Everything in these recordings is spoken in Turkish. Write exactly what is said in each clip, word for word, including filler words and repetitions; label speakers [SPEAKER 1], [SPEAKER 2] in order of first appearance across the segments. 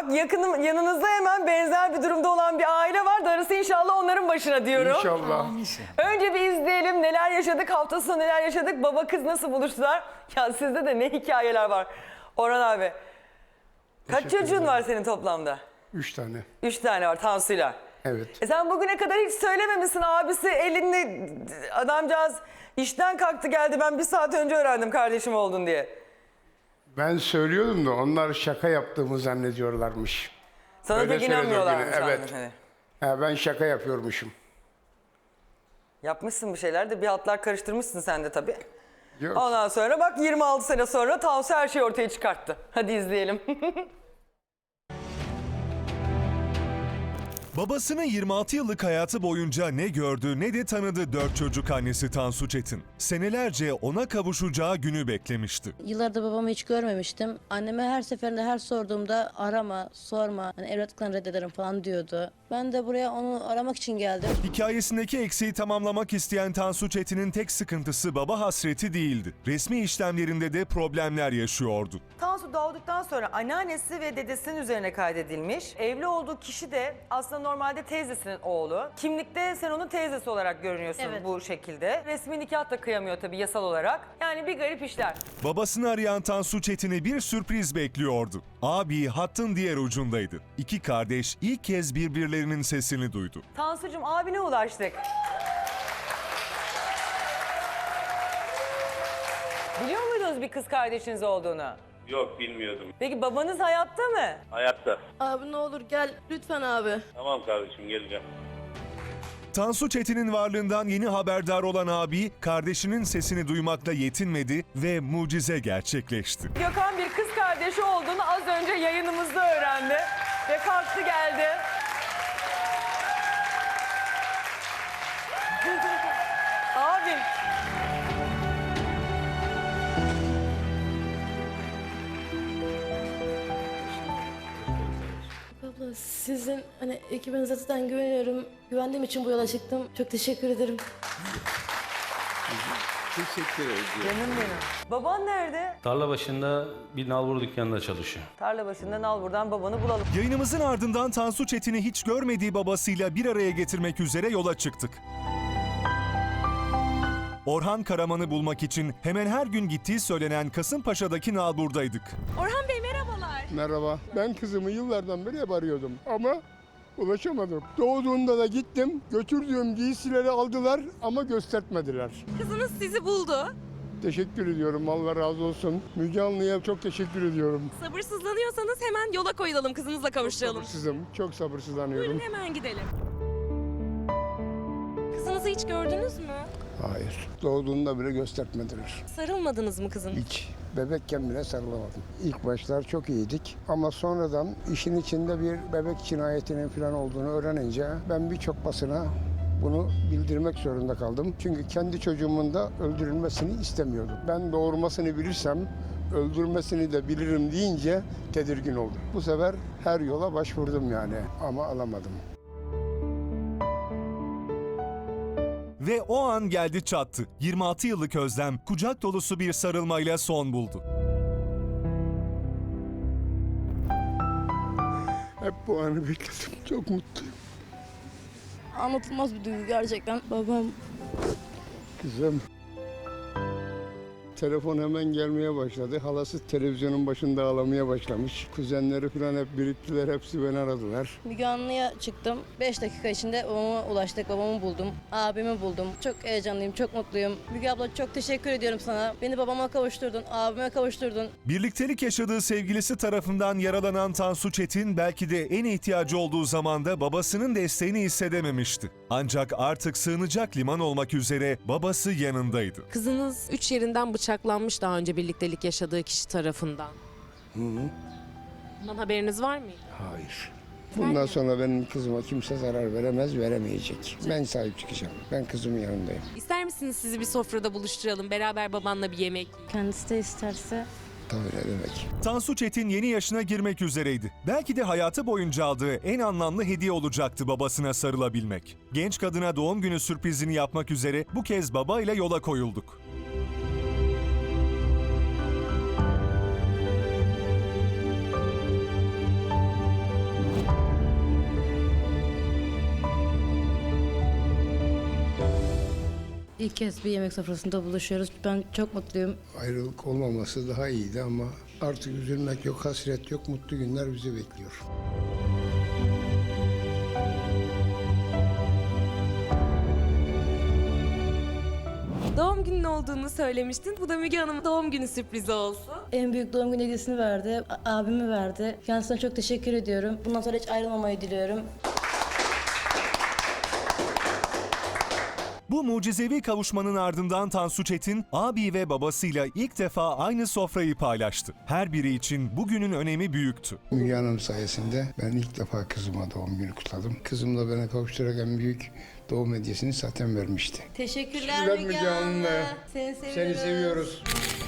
[SPEAKER 1] Bak yakınım, yanınızda hemen benzer bir durumda olan bir aile var. Darısı inşallah onların başına diyorum.
[SPEAKER 2] İnşallah.
[SPEAKER 1] Önce bir izleyelim neler yaşadık, hafta sonu neler yaşadık, baba kız nasıl buluştular. Ya sizde de ne hikayeler var. Orhan abi, kaç
[SPEAKER 2] Teşekkür
[SPEAKER 1] çocuğun
[SPEAKER 2] ederim.
[SPEAKER 1] var senin toplamda?
[SPEAKER 2] Üç tane.
[SPEAKER 1] Üç tane var Tansu'yla.
[SPEAKER 2] Evet.
[SPEAKER 1] E sen bugüne kadar hiç söylememişsin, abisi elini, adamcağız işten kalktı geldi, ben bir saat önce öğrendim kardeşim oldun diye.
[SPEAKER 2] Ben söylüyordum da onlar şaka yaptığımı zannediyorlarmış.
[SPEAKER 1] Sana
[SPEAKER 2] Öyle
[SPEAKER 1] pek
[SPEAKER 2] söyledi o gün,
[SPEAKER 1] inanmıyorlarmış.
[SPEAKER 2] evet.
[SPEAKER 1] abi, hani.
[SPEAKER 2] Ha, ben şaka yapıyormuşum.
[SPEAKER 1] Yapmışsın bir şeyler de bir hatlar karıştırmışsın sen de tabii.
[SPEAKER 2] Yok.
[SPEAKER 1] Ondan sonra bak yirmi altı sene sonra Tansu her şeyi ortaya çıkarttı. Hadi izleyelim.
[SPEAKER 3] Babasının yirmi altı yıllık hayatı boyunca ne gördü ne de tanıdı dört çocuk annesi Tansu Çetin. Senelerce ona kavuşacağı günü beklemişti.
[SPEAKER 4] Yıllardır babamı hiç görmemiştim. Anneme her seferinde her sorduğumda arama, sorma, hani evlatlıktan reddederim falan diyordu. Ben de buraya onu aramak için geldim.
[SPEAKER 3] Hikayesindeki eksiği tamamlamak isteyen Tansu Çetin'in tek sıkıntısı baba hasreti değildi. Resmi işlemlerinde de problemler yaşıyordu.
[SPEAKER 1] Tansu doğduktan sonra anneannesi ve dedesinin üzerine kaydedilmiş. Evli olduğu kişi de aslında normalde teyzesinin oğlu. Kimlikte sen onun teyzesi olarak görünüyorsun
[SPEAKER 4] Evet.
[SPEAKER 1] bu şekilde. Resmi nikah da kıyamıyor tabii yasal olarak. Yani bir garip işler.
[SPEAKER 3] Babasını arayan Tansu Çetin'i bir sürpriz bekliyordu. Abi hattın diğer ucundaydı. İki kardeş ilk kez birbirlerinin sesini duydu.
[SPEAKER 1] Tansucuğum abine ulaştık. Biliyor muydunuz bir kız kardeşiniz olduğunu?
[SPEAKER 5] Yok, bilmiyordum.
[SPEAKER 1] Peki babanız hayatta mı?
[SPEAKER 5] Hayatta.
[SPEAKER 4] Abi ne olur gel lütfen abi.
[SPEAKER 5] Tamam kardeşim, geleceğim.
[SPEAKER 3] Tansu Çetin'in varlığından yeni haberdar olan abi, kardeşinin sesini duymakla yetinmedi ve mucize gerçekleşti.
[SPEAKER 1] Gökhan bir kız kardeşi olduğunu az önce yayınımızda öğrendi. Ve kalktı geldi. Abim.
[SPEAKER 4] Abla sizin hani ekibinize zaten güveniyorum. Güvendiğim için bu yola çıktım. Çok teşekkür ederim.
[SPEAKER 6] Teşekkür ederim.
[SPEAKER 1] Canım benim. Baban nerede?
[SPEAKER 6] Tarla başında bir nalbur dükkanında çalışıyor.
[SPEAKER 1] Tarla başından al buradan babanı bulalım.
[SPEAKER 3] Yayınımızın ardından Tansu Çetin'i hiç görmediği babasıyla bir araya getirmek üzere yola çıktık. Orhan Karaman'ı bulmak için hemen her gün gittiği söylenen Kasımpaşa'daki nalburdaydık.
[SPEAKER 7] Orhan Bey merhabalar.
[SPEAKER 2] Merhaba. Ben kızımı yıllardan beri hep arıyordum ama ulaşamadım. Doğduğunda da gittim. Götürdüğüm giysileri aldılar ama göstertmediler.
[SPEAKER 7] Kızınız sizi buldu.
[SPEAKER 2] Teşekkür ediyorum. Allah razı olsun. Müge Anlı'ya çok teşekkür ediyorum.
[SPEAKER 7] Sabırsızlanıyorsanız hemen yola koyulalım, kızınızla kavuşturalım.
[SPEAKER 2] Sabırsızım. Çok sabırsızlanıyorum.
[SPEAKER 7] Buyurun hemen gidelim. Kızınızı hiç gördünüz mü?
[SPEAKER 2] Hayır. Doğduğunda bile göstertmediler.
[SPEAKER 7] Sarılmadınız mı kızın?
[SPEAKER 2] Hiç. Bebekken bile sarılamadım. İlk başlar çok iyiydik ama sonradan işin içinde bir bebek cinayetinin falan olduğunu öğrenince ben birçok basına bunu bildirmek zorunda kaldım. Çünkü kendi çocuğumun da öldürülmesini istemiyordum. Ben doğurmasını bilirsem öldürmesini de bilirim deyince tedirgin oldum. Bu sefer her yola başvurdum yani ama alamadım.
[SPEAKER 3] Ve o an geldi çattı. yirmi altı yıllık özlem kucak dolusu bir sarılmayla son buldu.
[SPEAKER 2] Hep bu anı bekledim. Çok mutluyum.
[SPEAKER 4] Anlatılmaz bir duygu gerçekten. Babam
[SPEAKER 2] Kızım. Telefon hemen gelmeye başladı. Halası televizyonun başında ağlamaya başlamış. Kuzenleri falan hep biriktiler. Hepsi beni aradılar.
[SPEAKER 4] Müge Anlı'ya çıktım. beş dakika içinde babama ulaştık. Babamı buldum. Abimi buldum. Çok heyecanlıyım, çok mutluyum. Müge abla çok teşekkür ediyorum sana. Beni babama kavuşturdun, abime kavuşturdun.
[SPEAKER 3] Birliktelik yaşadığı sevgilisi tarafından yaralanan Tansu Çetin belki de en ihtiyacı olduğu zamanda babasının desteğini hissedememişti. Ancak artık sığınacak liman olmak üzere babası yanındaydı.
[SPEAKER 7] Kızınız üç yerinden bıçaklanmış daha önce birliktelik yaşadığı kişi tarafından.
[SPEAKER 2] Hı hı.
[SPEAKER 7] Bundan haberiniz var mıydı?
[SPEAKER 2] Hayır. Bundan sonra benim kızıma kimse zarar veremez, veremeyecek. Ben sahip çıkacağım. Ben kızımın yanındayım.
[SPEAKER 7] İster misiniz sizi bir sofrada buluşturalım, beraber babanla bir yemek yiyin?
[SPEAKER 4] Kendisi de isterse.
[SPEAKER 2] Tabii ne demek.
[SPEAKER 3] Tansu Çetin yeni yaşına girmek üzereydi. Belki de hayatı boyunca aldığı en anlamlı hediye olacaktı babasına sarılabilmek. Genç kadına doğum günü sürprizini yapmak üzere bu kez babayla yola koyulduk.
[SPEAKER 4] İlk kez bir yemek sofrasında buluşuyoruz. Ben çok mutluyum.
[SPEAKER 2] Ayrılık olmaması daha iyiydi ama artık üzülmek yok, hasret yok, mutlu günler bizi bekliyor.
[SPEAKER 7] Doğum günün olduğunu söylemiştin. Bu da Müge Hanım'ın doğum günü sürprizi olsun.
[SPEAKER 4] En büyük doğum günü hediyesini verdi. a- Abimi verdi. Kendisine çok teşekkür ediyorum. Bundan sonra hiç ayrılmamayı diliyorum.
[SPEAKER 3] Bu mucizevi kavuşmanın ardından Tansu Çetin, abi ve babasıyla ilk defa aynı sofrayı paylaştı. Her biri için bugünün önemi büyüktü.
[SPEAKER 2] Müge Hanım sayesinde ben ilk defa kızıma doğum günü kutladım. Kızım da bana kavuşturarak en büyük doğum hediyesini zaten vermişti.
[SPEAKER 4] Teşekkürler
[SPEAKER 2] Teşekkürler
[SPEAKER 4] Müge
[SPEAKER 2] Müge
[SPEAKER 4] Hanım.
[SPEAKER 2] Hanım.
[SPEAKER 4] Seni seviyoruz.
[SPEAKER 2] Seni seviyoruz.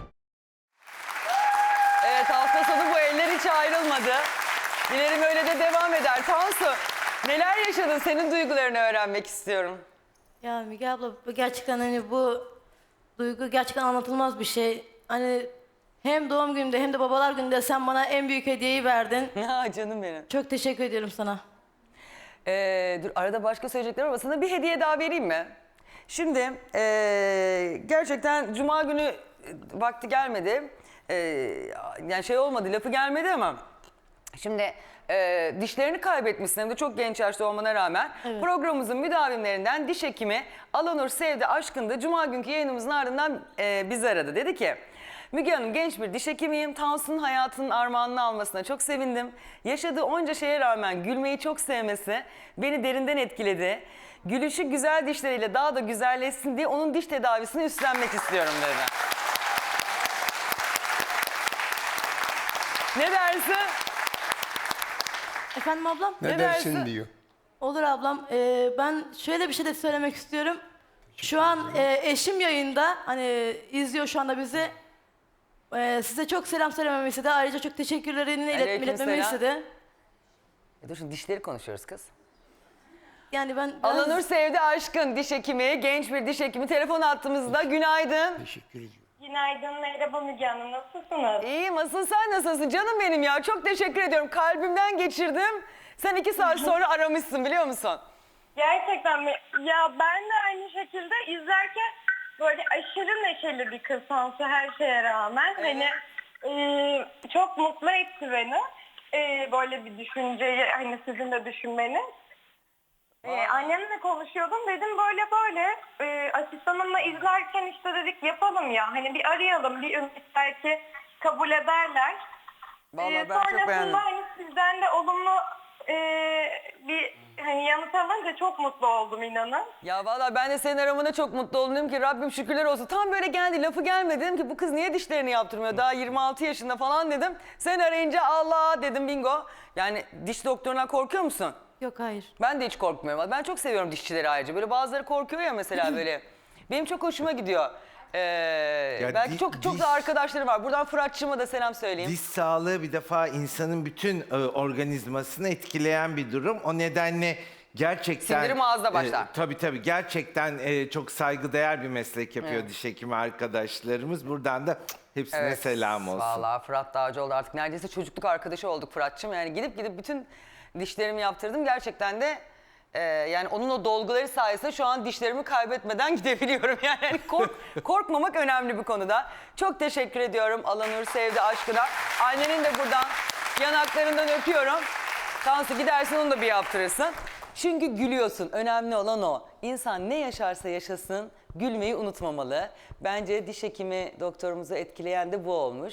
[SPEAKER 1] Evet, hafta sonu bu eller hiç ayrılmadı. Dilerim öyle de devam eder. Tansu, neler yaşadın? Senin duygularını öğrenmek istiyorum.
[SPEAKER 4] Ya Müge abla bu gerçekten hani bu duygu gerçekten anlatılmaz bir şey. Hani hem doğum günümde hem de babalar gününde sen bana en büyük hediyeyi verdin.
[SPEAKER 1] Ha canım benim.
[SPEAKER 4] Çok teşekkür ediyorum sana.
[SPEAKER 1] Ee, dur arada başka söyleyeceklerim ama sana bir hediye daha vereyim mi? Şimdi ee, gerçekten Cuma günü e, vakti gelmedi. Ee, yani şey olmadı, lafı gelmedi ama şimdi e, dişlerini kaybetmişsin hem de çok genç yaşta olmana rağmen.
[SPEAKER 4] Evet.
[SPEAKER 1] Programımızın müdavimlerinden diş hekimi Alanur Sevdi Aşkın da Cuma günkü yayınımızın ardından e, bizi aradı. Dedi ki Müge Hanım, genç bir diş hekimiyim. Tansu'nun hayatının armağanını almasına çok sevindim. Yaşadığı onca şeye rağmen gülmeyi çok sevmesi beni derinden etkiledi. Gülüşü güzel dişleriyle daha da güzelleşsin diye onun diş tedavisini üstlenmek istiyorum dedi. Ne dersin?
[SPEAKER 4] Efendim ablam?
[SPEAKER 2] Ne,
[SPEAKER 1] Ne
[SPEAKER 2] dersin
[SPEAKER 1] dersin?
[SPEAKER 2] diyor.
[SPEAKER 4] Olur ablam. Ee, ben şöyle bir şey de söylemek istiyorum. Şu an e, eşim yayında. Hani izliyor şu anda bizi. Ee, size çok selam söylememi istedi. Ayrıca çok teşekkürlerini ilet,
[SPEAKER 1] Aleyküm
[SPEAKER 4] iletmemi
[SPEAKER 1] selam.
[SPEAKER 4] istedi.
[SPEAKER 1] E dur şimdi dişleri konuşuyoruz kız.
[SPEAKER 4] Yani ben biraz-
[SPEAKER 1] Alanur Sevdi Aşkın diş hekimi, genç bir diş hekimi telefon attığımızda. Günaydın.
[SPEAKER 2] Teşekkür ediyorum.
[SPEAKER 8] Günaydın, merhaba Müge Hanım. Nasılsınız?
[SPEAKER 1] İyiyim, asıl sen nasılsın canım benim ya? Çok teşekkür ediyorum. Kalbimden geçirdim. Sen iki saat sonra aramışsın biliyor musun?
[SPEAKER 8] Gerçekten mi? Ya ben de aynı şekilde izlerken böyle aşırı neşeli bir kız Tansu her şeye rağmen. Hani e, çok mutlu etti beni. E, böyle bir düşünceyi hani sizin de düşünmeniz. Ee, annemle konuşuyordum, dedim böyle böyle e, asistanımla izlerken işte dedik yapalım ya, hani bir arayalım, bir ümit belki kabul ederler.
[SPEAKER 1] Vallahi
[SPEAKER 8] Ee,
[SPEAKER 1] ben çok
[SPEAKER 8] sonrasında
[SPEAKER 1] beğendim.
[SPEAKER 8] hani sizden de olumlu e, bir hani yanıt alınca çok mutlu oldum, inanın.
[SPEAKER 1] Ya vallahi ben de senin aramana çok mutlu oldum. Dedim ki Rabbim şükürler olsun. Tam böyle geldi, lafı gelmedi. Dedim ki bu kız niye dişlerini yaptırmıyor? Daha yirmi altı yaşında falan dedim. Sen arayınca Allah dedim, bingo. Yani diş doktorundan korkuyor musun?
[SPEAKER 4] Yok hayır.
[SPEAKER 1] Ben de hiç korkmuyorum. Ben çok seviyorum dişçileri ayrıca. Böyle bazıları korkuyor ya mesela böyle. Benim çok hoşuma gidiyor. Ee, belki
[SPEAKER 9] di-
[SPEAKER 1] çok çok
[SPEAKER 9] diş-
[SPEAKER 1] da arkadaşlarım var. Buradan Fıratçığıma da selam söyleyeyim.
[SPEAKER 9] Diş sağlığı bir defa insanın bütün e, organizmasını etkileyen bir durum. O nedenle gerçekten...
[SPEAKER 1] Sindirim ağızda başlar.
[SPEAKER 9] E, tabii tabii gerçekten e, çok saygıdeğer bir meslek yapıyor diş hekimi arkadaşlarımız. Buradan da cık, hepsine selam olsun.
[SPEAKER 1] Vallahi Fırat Dağcıoğlu artık neredeyse çocukluk arkadaşı olduk Fırat'cığım. Yani gidip gidip bütün dişlerimi yaptırdım. Gerçekten de e, yani onun o dolguları sayesinde şu an dişlerimi kaybetmeden gidebiliyorum. Yani hani kork, korkmamak önemli bir konuda. Çok teşekkür ediyorum Alanur Sevdi Aşkına. Annenin de buradan yanaklarından öpüyorum. Tansu gidersin onu da bir yaptırırsın. Çünkü gülüyorsun. Önemli olan o. İnsan ne yaşarsa yaşasın gülmeyi unutmamalı. Bence diş hekimi doktorumuzu etkileyen de bu olmuş.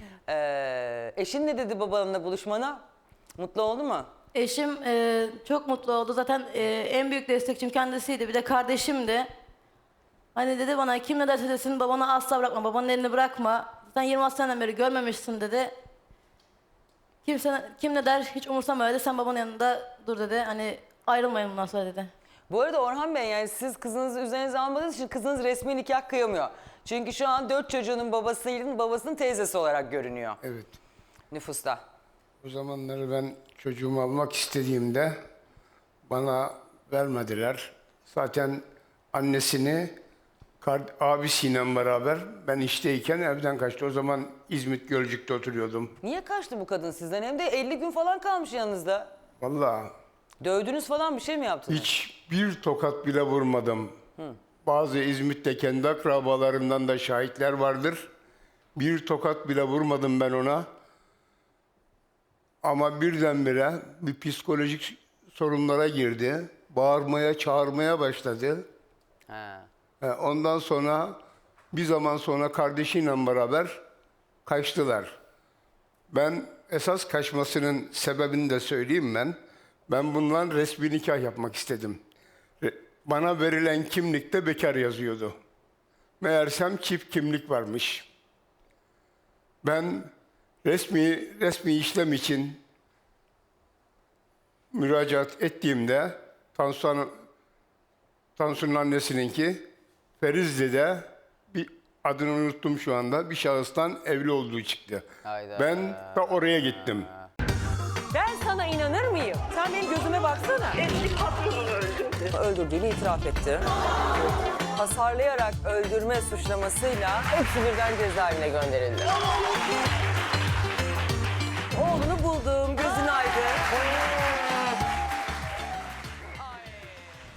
[SPEAKER 1] Ee, eşin ne dedi babanla buluşmana? Mutlu oldu mu?
[SPEAKER 4] Eşim e, çok mutlu oldu. Zaten e, en büyük destekçim kendisiydi. Bir de kardeşimdi. Hani dedi bana kim ne derse desin babanı asla bırakma. Babanın elini bırakma. Sen yirmi altı seneden beri görmemişsin dedi. Kimse, kim ne der hiç umursama dedi. Sen babanın yanında dur dedi. Hani ayrılmayın bundan sonra dedi.
[SPEAKER 1] Bu arada Orhan Bey, yani siz kızınızı üzerinize almadığınız için kızınız resmi nikah kıyamıyor. Çünkü şu an dört çocuğunun babasının babasının teyzesi olarak görünüyor
[SPEAKER 2] Evet.
[SPEAKER 1] nüfusta.
[SPEAKER 2] O zamanları ben çocuğumu almak istediğimde bana vermediler. Zaten annesini kard- abisiyle beraber ben işteyken evden kaçtı. O zaman İzmit Gölcük'te oturuyordum.
[SPEAKER 1] Niye kaçtı bu kadın sizden? Hem de elli gün falan kalmış yanınızda.
[SPEAKER 2] Vallahi
[SPEAKER 1] Dövdünüz falan, bir şey mi yaptınız?
[SPEAKER 2] hiç bir tokat bile vurmadım. bazı İzmit'te kendi akrabalarından da şahitler vardır. Bir tokat bile vurmadım ben ona. Ama birdenbire bir psikolojik sorunlara girdi. Bağırmaya, çağırmaya başladı.
[SPEAKER 1] Ha.
[SPEAKER 2] E, Ondan sonra bir zaman sonra kardeşiyle beraber kaçtılar. Ben esas kaçmasının sebebini de söyleyeyim ben. Ben bundan resmi nikah yapmak istedim. Re- Bana verilen kimlikte bekar yazıyordu. Meğersem çift kimlik varmış. Ben resmi resmi işlem için müracaat ettiğimde Tansu'nun Tansu'nun annesininki Ferizli'de bir adını unuttum şu anda. Bir şahıstan evli olduğu çıktı.
[SPEAKER 1] Hayda.
[SPEAKER 2] Ben de oraya gittim.
[SPEAKER 10] Ben sana inanır mıyım? Sen benim gözüme baksana.
[SPEAKER 8] Eski patronunu öldürdü.
[SPEAKER 10] Öldürdüğünü itiraf etti.
[SPEAKER 1] Hasarlayarak öldürme suçlamasıyla hepsi birden cezaevine gönderildi. Oğlunu